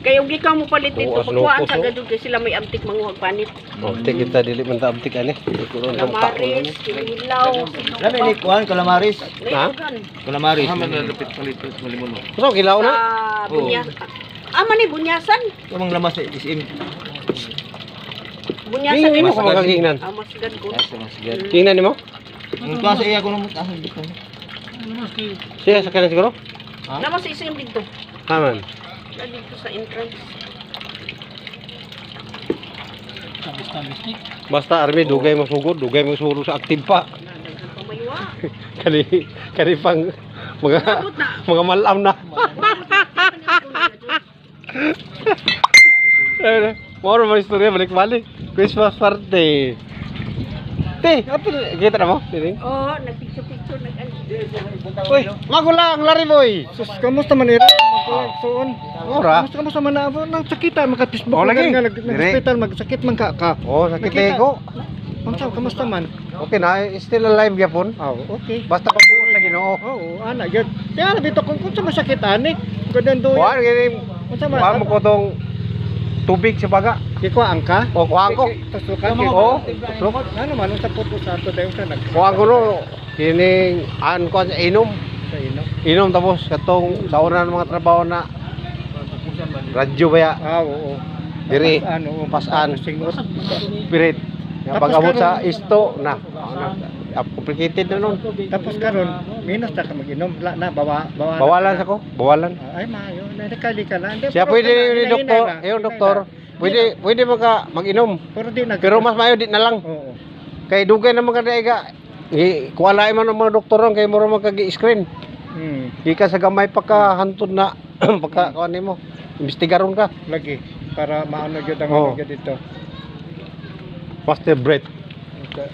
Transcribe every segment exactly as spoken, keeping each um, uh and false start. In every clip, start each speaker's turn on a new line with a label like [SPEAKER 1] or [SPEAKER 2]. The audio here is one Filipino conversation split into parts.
[SPEAKER 1] Kaya ugi ka mo palit dito.
[SPEAKER 2] Oo,
[SPEAKER 1] Pagkuhaan
[SPEAKER 2] asno,
[SPEAKER 1] sa
[SPEAKER 2] puso.
[SPEAKER 1] gadud kay sila may amtik manguhag panit.
[SPEAKER 2] Abtik kita dili man ta abtik ani.
[SPEAKER 1] Kalamaris, kinilaw.
[SPEAKER 3] Lami ni kuan kalamaris.
[SPEAKER 2] Ha?
[SPEAKER 3] Kalamaris.
[SPEAKER 4] Ah, manalapit palit malimuno.
[SPEAKER 2] So kilaw na.
[SPEAKER 1] Ah, bunyas. Ah, man ni bunyasan.
[SPEAKER 3] Kamang lamas ni isim.
[SPEAKER 1] Bunyasan
[SPEAKER 2] Hindi
[SPEAKER 1] ni
[SPEAKER 2] mo
[SPEAKER 1] mas
[SPEAKER 2] ko magagingnan.
[SPEAKER 1] Ah, mas gad ko.
[SPEAKER 2] Tingnan nimo?
[SPEAKER 3] Ang kuan sa iya ko nang tahan dito.
[SPEAKER 2] Siya sa kanan siguro?
[SPEAKER 1] Naman sa isim dito.
[SPEAKER 2] Aman.
[SPEAKER 1] Na dito sa entrance.
[SPEAKER 2] Basta army dugay mo sugod, dugay mo suro sa aktive pa.
[SPEAKER 1] Nadagan pamaywa.
[SPEAKER 2] Kani kani pang mga
[SPEAKER 1] Abot na.
[SPEAKER 2] mga malam na. Eh, more mo istorya balik-balik. Christmas party. Te, apa kita na mo? Tining.
[SPEAKER 1] Oh, nagpicture-picture nag
[SPEAKER 2] Uy, magulang lari boy.
[SPEAKER 5] Sus, kamusta man ira? Magsuon.
[SPEAKER 2] Ora.
[SPEAKER 5] Kamusta kamusta man na abo nang sakita makatibok
[SPEAKER 2] Oh, lagi.
[SPEAKER 5] nga nag
[SPEAKER 2] Dire.
[SPEAKER 5] hospital magsakit man ka ka.
[SPEAKER 2] Oh, sakit
[SPEAKER 5] Nakita.
[SPEAKER 2] ko.
[SPEAKER 5] Unsa kamusta man?
[SPEAKER 2] Okay na, still alive gyapon.
[SPEAKER 5] Oh, okay.
[SPEAKER 2] Basta pagbuot sa Ginoo.
[SPEAKER 5] Oo, ana gyud. Kaya bito kung kung sa masakit ani, kudan do.
[SPEAKER 2] Kuan gini,
[SPEAKER 5] Unsa
[SPEAKER 2] kuan mo
[SPEAKER 5] man?
[SPEAKER 2] ko tong tubig sa baga.
[SPEAKER 5] Iko angka?
[SPEAKER 2] O kuan ko.
[SPEAKER 5] Tusukan
[SPEAKER 2] Oo,
[SPEAKER 5] tusuk. Ano man unsa puto sa ato dayon sa nag
[SPEAKER 2] Kuan ko no. Kini an ko sa inom.
[SPEAKER 5] sa ino.
[SPEAKER 2] Inom tapos katong sa una ng mga trabaho na radyo ba ya?
[SPEAKER 5] Ah, oo.
[SPEAKER 2] Diri.
[SPEAKER 5] Pas- Ano,
[SPEAKER 2] Pasan.
[SPEAKER 5] singot.
[SPEAKER 2] Spirit. Nga
[SPEAKER 5] Tapos
[SPEAKER 2] pag-abot sa
[SPEAKER 5] karon-
[SPEAKER 2] isto na. na complicated na nun.
[SPEAKER 5] Tapos karon minus ta ka mag-inom, la na bawa bawa.
[SPEAKER 2] Bawalan sa ko, bawalan.
[SPEAKER 5] Ah, ay maayo, nakali ka na. Hindi,
[SPEAKER 2] Siya
[SPEAKER 5] pero
[SPEAKER 2] pwede
[SPEAKER 5] kana,
[SPEAKER 2] ni
[SPEAKER 5] hinay-hinay
[SPEAKER 2] doktor,
[SPEAKER 5] na,
[SPEAKER 2] ayo
[SPEAKER 5] hinay
[SPEAKER 2] doktor.
[SPEAKER 5] na.
[SPEAKER 2] Pwede pwede maka mag-inom.
[SPEAKER 5] Pero di nag
[SPEAKER 2] Pero mas mayo di na lang.
[SPEAKER 5] Oo.
[SPEAKER 2] Kay dugay na mga daiga. I kuwalay man ang mga doktor ron kay mura magkagi-screen.
[SPEAKER 5] Hmm,
[SPEAKER 2] Ika sa gamay pa ka hantod na pagka kuan nimo. Imbestigaron ka.
[SPEAKER 5] lagi para maano gyud ang
[SPEAKER 2] Oo.
[SPEAKER 5] ano gyud dito.
[SPEAKER 2] Master breath.
[SPEAKER 5] Okay.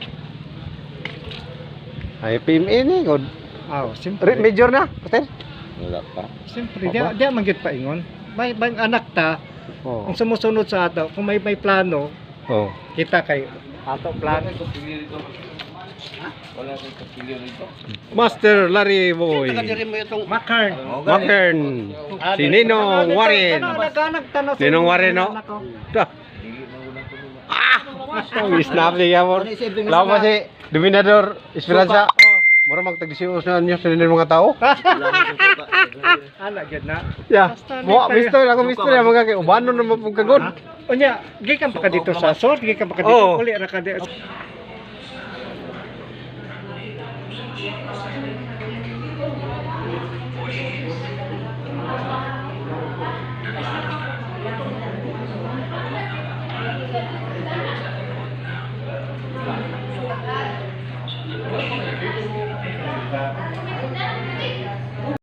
[SPEAKER 2] Ay P M A ni god.
[SPEAKER 5] Ah, simpre.
[SPEAKER 2] Major na, Master.
[SPEAKER 4] Wala pa.
[SPEAKER 5] Simpre, di di man gyud paingon. May may anak ta,
[SPEAKER 2] Oh.
[SPEAKER 5] ang sumusunod sa ato, kung may may plano,
[SPEAKER 2] Oh.
[SPEAKER 5] kita kay ato plano.
[SPEAKER 4] Wala kang kapilyo rito.
[SPEAKER 2] Master Larry Boy.
[SPEAKER 1] Nakadiri mo itong
[SPEAKER 5] Makern.
[SPEAKER 2] Makern. Si Ninong Warren.
[SPEAKER 5] Nagtanong sa
[SPEAKER 2] Ninong Warren, no? Dah. Ah! Ang snap niya mo. Lawa pa si Dominador Esperanza. Mura magtagdisios na niyo sa mga tao.
[SPEAKER 5] Ana gyud na.
[SPEAKER 2] Ya. Mo misto ako misto ya mga kay ubano na mapugkagod.
[SPEAKER 5] Unya, gikan pa ka dito sa sort, gikan pa ka dito
[SPEAKER 2] Oo.
[SPEAKER 5] uli ra ka di.